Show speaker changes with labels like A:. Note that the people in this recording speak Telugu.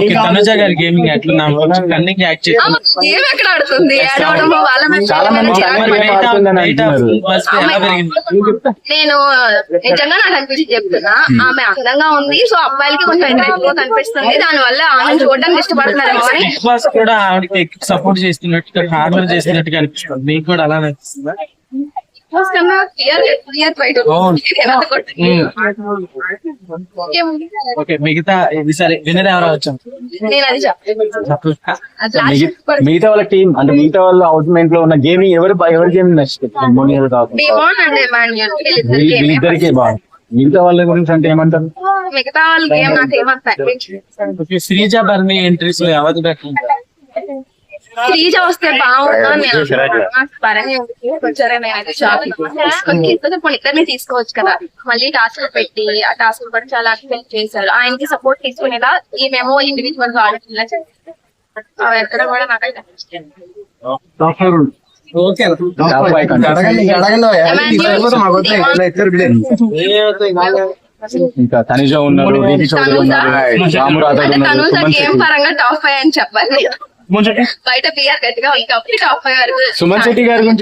A: తనుజ గారి గేమింగ్ ఎట్లా కన్నింగ్ యాక్ట్ చేసి
B: గేమ్ ఎక్కడ ఆడుతుంది
C: చాలా మంది
B: నేను నిజంగా నాకు అనిపించి చెప్తున్నా ఆమె అందంగా ఉంది. సో అబ్బాయిలకి కొంచెం అట్రాక్టివ్ కనిపిస్తుంది. దాని వల్ల ఆమె చూడడానికి ఇష్టపడుతున్నారేమో అని.
A: బిగ్ బాస్ కూడా ఆవిడకి సపోర్ట్ చేస్తున్నట్టు హార్మర్ చేస్తున్నట్టుగా అనిపిస్తుంది. మీకు కూడా అలానే అనిపిస్తుందా? ఓకే, మిగతా ఇది సరే వినర్ ఎవరో వచ్చాం.
C: మిగతా వాళ్ళ టీం అంటే మిగతా వాళ్ళ అవుట్మెంట్ లో ఉన్న గేమింగ్ ఎవరి గేమింగ్ నచ్చుతుంది? వీళ్ళిద్దరికే బాగుంది. మిగతా వాళ్ళ గురించి అంటే ఏమంటారు?
B: మిగతా వాళ్ళ గేమ్ నాకు ఏమంటారు?
A: శ్రీజ బర్ని ఎంట్రీస్ లో ఎవరు పెట్టింటారు?
B: శ్రీజ వస్తే బాగుంటుంది. ఇద్దరిని తీసుకోవచ్చు కదా. మళ్ళీ టాస్క్ పెట్టి ఆ టాస్క్ కూడా చాలా అక్సెప్ట్ చేశారు. ఆయనకి సపోర్ట్ తీసుకునేలా ఈమెమో ఇండివిజువల్ గా ఆడుతున్నా ఎక్కడ కూడా నాకైతే
C: ఇంకా తనుజ ఉన్నారు,
B: గేమ్ పరంగా టాప్ 5 అని చెప్పాలి. బయట పిఆర్ గట్టిగా ఉంది కాబట్టి టాప్ 5 వరకు.
C: సుమన్ శెట్టి గారి గురించి